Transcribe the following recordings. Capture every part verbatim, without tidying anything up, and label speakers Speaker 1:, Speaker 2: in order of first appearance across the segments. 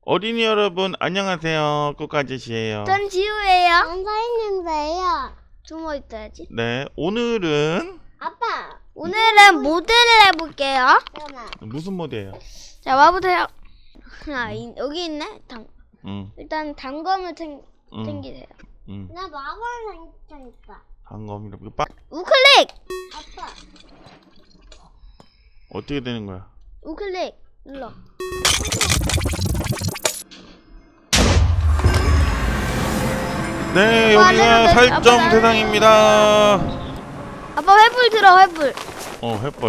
Speaker 1: 어린이 여러분 안녕하세요. 꾸까짓이에요.
Speaker 2: 전 지우예요.
Speaker 3: 안서있는데요.
Speaker 2: 숨어 있어야지.
Speaker 1: 네, 오늘은
Speaker 3: 아빠.
Speaker 2: 오늘은 모델을 해볼게요.
Speaker 3: 잠깐만.
Speaker 1: 무슨 모드예요?
Speaker 2: 자, 와보세요. 아, 이, 여기 있네. 당,
Speaker 1: 응,
Speaker 2: 일단 단검을 챙,
Speaker 1: 응,
Speaker 2: 챙기세요.
Speaker 1: 응.
Speaker 3: 나 마법 생장 있다.
Speaker 1: 방금 이렇게 빡
Speaker 2: 우클릭!
Speaker 3: 아빠.
Speaker 1: 어떻게 되는 거야?
Speaker 2: 우클릭 눌러.
Speaker 1: 네,
Speaker 2: 아빠,
Speaker 1: 여기가
Speaker 2: 아빠,
Speaker 1: 살점
Speaker 2: 아빠,
Speaker 1: 세상입니다.
Speaker 2: 아빠 회불 들어, 회불.
Speaker 1: 어, 햇벌.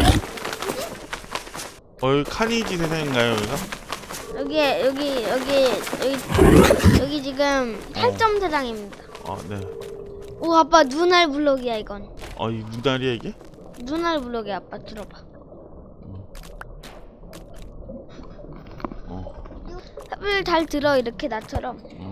Speaker 1: 어, 여기 카니지 세상인가요, 여기가?
Speaker 2: 여기, 여기, 여기, 여기, 여기 지금 팔점 세상입니다.
Speaker 1: 아, 네.
Speaker 2: 오, 아빠 눈알 블록이야, 이건.
Speaker 1: 어, 이 누나리야 이게?
Speaker 2: 눈알 블록이야, 아빠 들어봐.
Speaker 1: 어,
Speaker 2: 회불 잘 들어, 이렇게 나처럼.
Speaker 1: 응.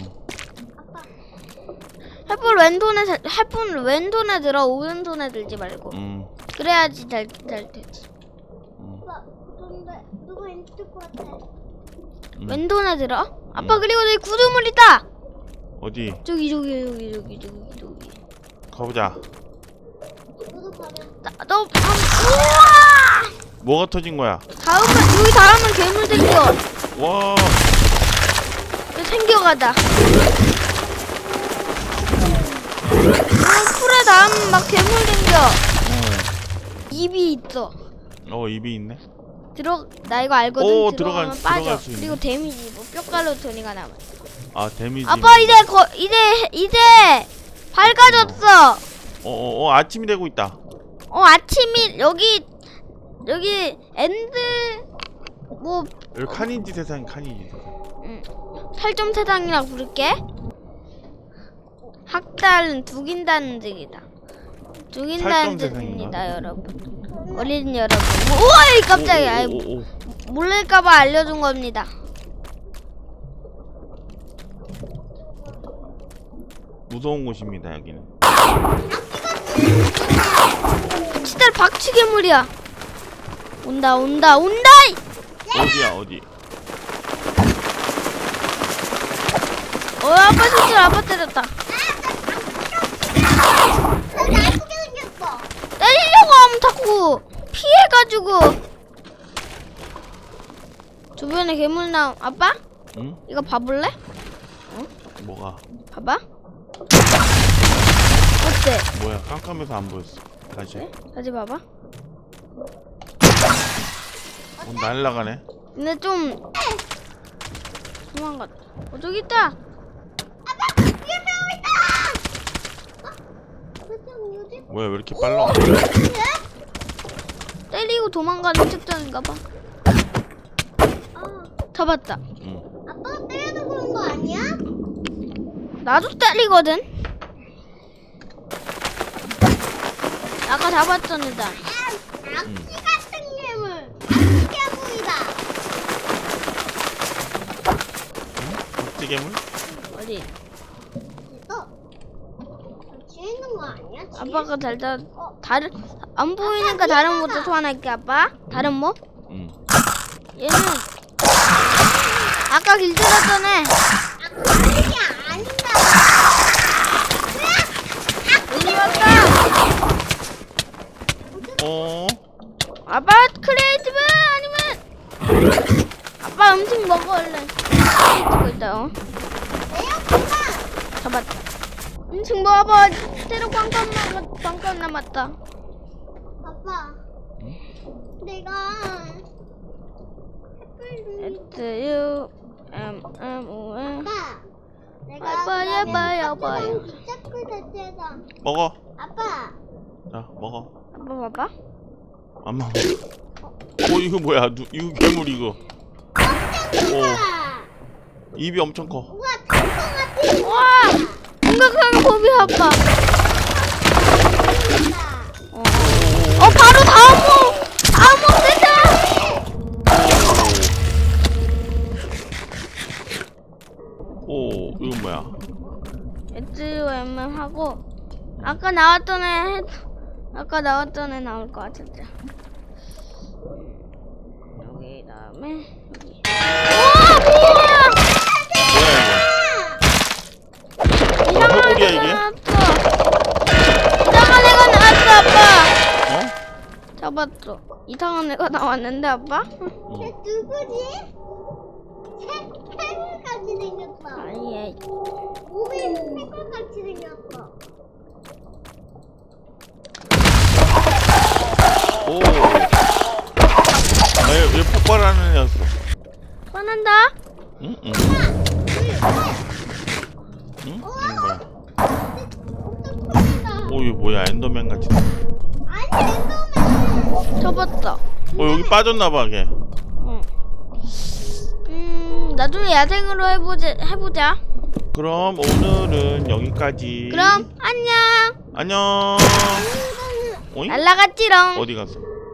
Speaker 2: 햇불 왼손에 살- 햇불 왼손에 들어, 오른손에 들지 말고.
Speaker 1: 응.
Speaker 2: 그래야지 잘, 잘 되지.
Speaker 1: 응.
Speaker 3: 아빠. 근데 누가 있을 것 같아?
Speaker 1: 응.
Speaker 2: 왼손에 들어. 아빠
Speaker 1: 응.
Speaker 2: 그리고 저기 구두물 있다.
Speaker 1: 어디?
Speaker 2: 저기 저기 저기 저기 저기 저기.
Speaker 1: 가보자.
Speaker 3: 누구 가면
Speaker 2: 나, 너 한, 우와!
Speaker 1: 뭐가 터진 거야?
Speaker 2: 다음은 여기 닿으면 괴물 생겨.
Speaker 1: 와,
Speaker 2: 여기 생겨가다. 어, 풀에 닿으면 막 괴물 생겨.
Speaker 1: 어,
Speaker 2: 입이 있어.
Speaker 1: 어 입이 있네.
Speaker 2: 들어 나 이거 알거든.
Speaker 1: 오,
Speaker 2: 들어가면
Speaker 1: 들어갈-
Speaker 2: 빠져.
Speaker 1: 들어갈 수 있네.
Speaker 2: 그리고 데미지 뭐 뼈가루 토니가 남아.
Speaker 1: 아, 데미지.
Speaker 2: 아빠 이제 거 이제 이제 밝아졌어.
Speaker 1: 어, 어, 어, 아침이 되고 있다.
Speaker 2: 어 아침이 여기 여기 엔드 뭐
Speaker 1: 여기 카니지 세상, 카니지 세상.
Speaker 2: 음, 팔점 세상이라 부를게. 학달은 죽인다는 뜻이다. 죽인다는
Speaker 1: 팔점 세상인가?
Speaker 2: 뜻입니다, 여러분. 어린 여러분. 우와, 이 깜짝이야. 아이,
Speaker 1: 오, 오, 오.
Speaker 2: 모를까봐 알려준 겁니다.
Speaker 1: 무서운 곳입니다, 여기는.
Speaker 2: 진짜 박쥐괴물이야. 온다, 온다, 온다!
Speaker 1: 어디야, 어디?
Speaker 2: 어, 아빠 실수로 아빠 때렸다.
Speaker 3: 나 나쁘게 생겼어.
Speaker 2: 때리려고 하면 자꾸 피해가지고. 주변에 괴물 나옴. 아빠?
Speaker 1: 응?
Speaker 2: 이거 봐볼래?
Speaker 1: 뭐가?
Speaker 2: 봐봐. 어때?
Speaker 1: 뭐야? 깜깜해서 안 보였어. 다시.
Speaker 2: 그래? 다시 봐봐.
Speaker 1: 어, 날라가네.
Speaker 2: 근데 좀 도망갔다. 어, 저기 있다.
Speaker 1: 뭐야, 왜 이렇게 빨라?
Speaker 2: 때리고 도망가는 특전인가 봐. 잡았다.
Speaker 1: 응.
Speaker 3: 아빠가 때려서 그런 거 아니야?
Speaker 2: 나도 때리거든. 아까 잡았잖아. 나.
Speaker 3: 악취 같은 괴물. 악취 괴물이다.
Speaker 1: 박쥐괴물?
Speaker 2: 어디?
Speaker 3: 너. 뒤에 있는 거 아니야? 뒤에?
Speaker 2: 아빠가 잘 잡. 다른 안 보이니까 다른 모드 소환할게 아빠. 다른 모?
Speaker 1: 응.
Speaker 2: 얘는 아까 길 들었잖아.
Speaker 3: 악취가 아니다.
Speaker 2: 여기 왔다.
Speaker 1: 어?
Speaker 2: 아빠 크리에이티브 아니면 아빠 음식 먹어 얼른. 크리에이티브 있다. 어? 잡았다. 음식 먹어봐. 테러 꽝꽝 남았 꽝꽝 남았다.
Speaker 3: 아빠.
Speaker 1: 응?
Speaker 3: 내가
Speaker 2: S U M M O N.
Speaker 3: 아빠. 내가
Speaker 2: 아빠야, 아빠야, 아빠야.
Speaker 3: 시작을 됐잖아.
Speaker 1: 먹어.
Speaker 3: 아빠.
Speaker 1: 자, 먹어.
Speaker 2: 아빠 봐봐.
Speaker 1: 안 먹어. 어, 이거 뭐야? 누, 이거 괴물 이거. 오, 입이 엄청 커.
Speaker 3: 우와, 달콤 같은
Speaker 2: 와! 생각하는 법이 아빠. 어, 어 바로 다음 모 다음 모 세상.
Speaker 1: 오, 이건 뭐야?
Speaker 2: S U M M 하고 아까 나왔던 애 해- 아까 나왔던 애 나올 것 같은데. 여기 다음에 여기. 우와 뭐야? 이상한 애가 나왔는데 아빠?
Speaker 1: 어.
Speaker 3: 쟤 누구지? 새, 새걸같이 생겼어.
Speaker 2: 아예
Speaker 3: 몸이 새걸같이 생겼어.
Speaker 1: 오. 아, 얘, 얘 폭발하는 애였어.
Speaker 2: 뻔한다.
Speaker 1: 응? 응. 응? 응? 뭐야?
Speaker 3: 엄청 커진다.
Speaker 1: 오, 이거 뭐야? 엔더맨 같이.
Speaker 3: 아니, 엔더맨.
Speaker 2: 접었어.
Speaker 1: 어, 여기 빠졌나봐, 걔.
Speaker 2: 응. 음 나중에 야생으로 해보자 해보자.
Speaker 1: 그럼 오늘은 여기까지.
Speaker 2: 그럼 안녕.
Speaker 1: 안녕. 오잉?
Speaker 2: 날라갔지롱.
Speaker 1: 어디 갔어?